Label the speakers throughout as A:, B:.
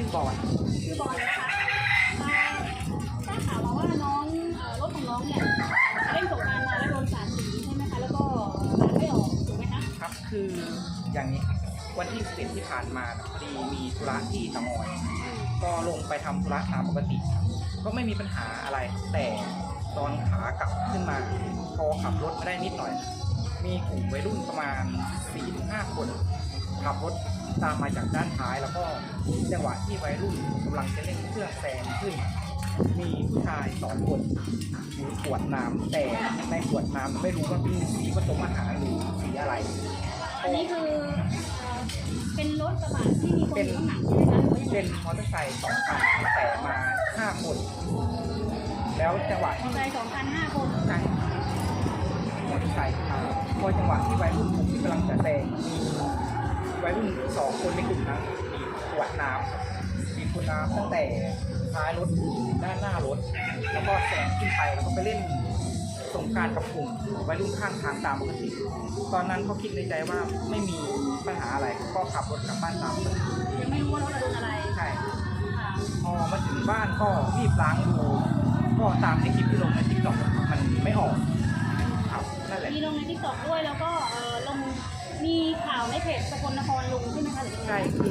A: บอล
B: ชื่อบอลนะคะทราบข่าวมาว่าน้องรถของน้องเนี่ยเล่นสงกรานต์มาแล้วโดนสาดสีใช่ไหมคะแล้วก็สาดไม่ออกถูกไหมคะ
A: ครับคืออย่างนี้วันที่11ที่ผ่านมาพอดีมีธุระที่ตะมอยก็ลงไปทำธุระตามปกติก็ไม่มีปัญหาอะไรแต่ตอนขากลับขึ้นมาพอขับรถมาได้นิดหน่อยมีกลุ่มวัยรุ่นประมาณ 4-5 คนขับรถตามมาจากด้านท้ายแล้วก็จังหวะที่วัยรุ่นกำลังจะเล่นเครื่องแซงขึ้นมีผู้ชาย2 คนถือขวดน้ำแต่ในขวดน้ำไม่รู้ว่าเป็นสีผสมอาหารหรือสีอะไร
B: อันนี้คือเป็นรถกระบะที่มีคนอยู่ข้างหลังใช่ไหมคะหรือว่ายังไง
A: เป็นมอเตอร์ไซค์2 คันแต่มา5 คนแล้วจังหวะ
B: มอเตอร์ไซค์2 คัน 5 คน
A: ใช่มอเตอร์ไซค์พอจังหวะที่วัยรุ่นกลุ่มที่กำลังจะแซงมีวัยรุ่น2 คนในกลุ่มนั้นมีขวดน้ำตั้งแต่ท้ายรถด้านหน้ารถแล้วก็แซงขึ้นไปแล้วก็ไปเล่นสงกรานต์กับกลุ่มวัยรุ่นข้างทางตามปกติตอนนั้นเขาคิดในใจว่าไม่มีปัญหาอะไรก็ขับรถกลับบ้านตามปกติ
B: ยังไม่รู้ว่ารถโดนอะไร
A: ใช่พอมาถึงบ้านก็รีบล้างดูก็ตามในคลิปที่ลงในทิกตอกมันไม่ออกครับนั่นแหละ
B: มีลงในทิกตอกด้วยแล้วก็ลงมีข่าวในเพจสกลนครลงใช่ไหมคะหรือยังไง
A: ใช่คือ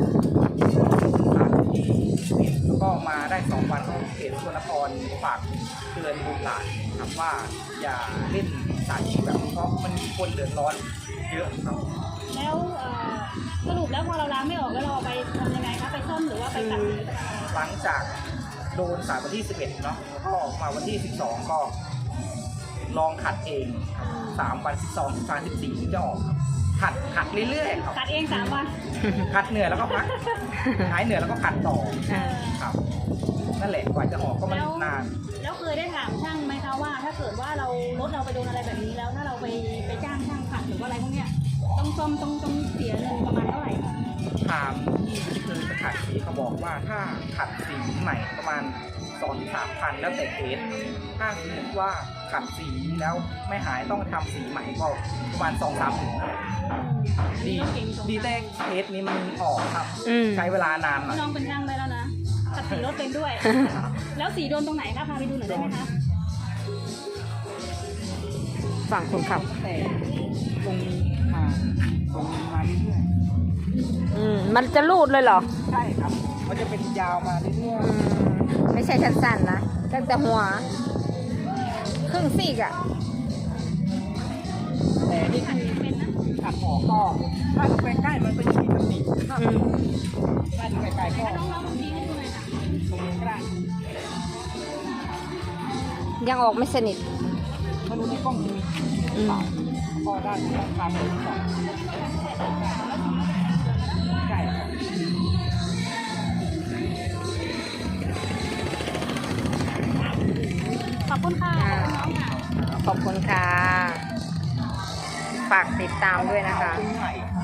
A: ที่แล้วก็มาได้2 วันก็เพจสกลนครฝากเตือนบุตรหลานครับว่าอย่าเล่นสารพิษแบบนี้เพราะมันมีคนเดือดร้อนเยอะครับ
B: แล้วสรุปแล้วพอเราล้างไม่ออกแล้วเราไปทำยังไงคะไปซ่อมหรือว่าไปตัด
A: หลังจากโดนสารวันที่11เนาะแล้วก็มาวันที่12ก็ลองขัดเอง3 วัน12 13 14จะออกขัดเรื่อยๆครับ
B: ขัดเอง3 วัน
A: ขัดเหนื่อยแล้วก็พักหายเหนื่อยแล้วก็ขัดต่อครับนั่นแหละกว่าจะออกก็มันนาน
B: แล้วเคยได้ถามช่างไหมคะว่าถ้าเกิดว่ารถเราไปโดนอะไรแบบนี้แล้วถ้าเราไปจ้างช่างขัดหรือว่าอะไรพวกเนี้ยต้องซ่อมต้องเสียเงินประมาณเท่าไหร่คะ
A: ถามที่เคยไปขัดสีเขาบอกว่าถ้าขัดสีใหม่ประมาณ 2-3 พันแล้วแต่เคสถ้าสมมติว่าขัดสีแล้วไม่หายต้องทำสีใหม่ก็ประมาณ 2-3 ถึงดีแต่เคสนี้มันออกครับใช้เวลานานหน่อย
B: น้องเป็นช่างได้แล้วนะขัดสีรถเป็นด้วยแล้วสีโดนตรงไหนคะพาไปดูหน่อยได้ไหมคะ
C: ฝั่งคนขับ
A: แต่ตรงมาเรื่อย
C: ๆมันจะรูดเลยเหรอ
A: ใช่ครับมันจะเป็นยาวมาเรื่อย
C: ๆไม่ใช่สั้นๆนะตั้งแต่หัวครึ่งซีกอะ
A: แต่นี่คือเป็นนะขัดออกก็ถ้าไปใกล้มันเป็นสีแบบนี้ถ้าไปไกลก็
B: น้องๆชี้ให้ดูหน่อยค่ะ
A: ตรงนี้ก็ได้
C: ยังออกไม่สนิท
A: ไม่รู้ในกล้องมีก็ด้านข้างเลยก่อนใช่
B: ขอบคุณค่ะ
C: ขอบคุณค่ะฝากติดตามด้วยนะคะ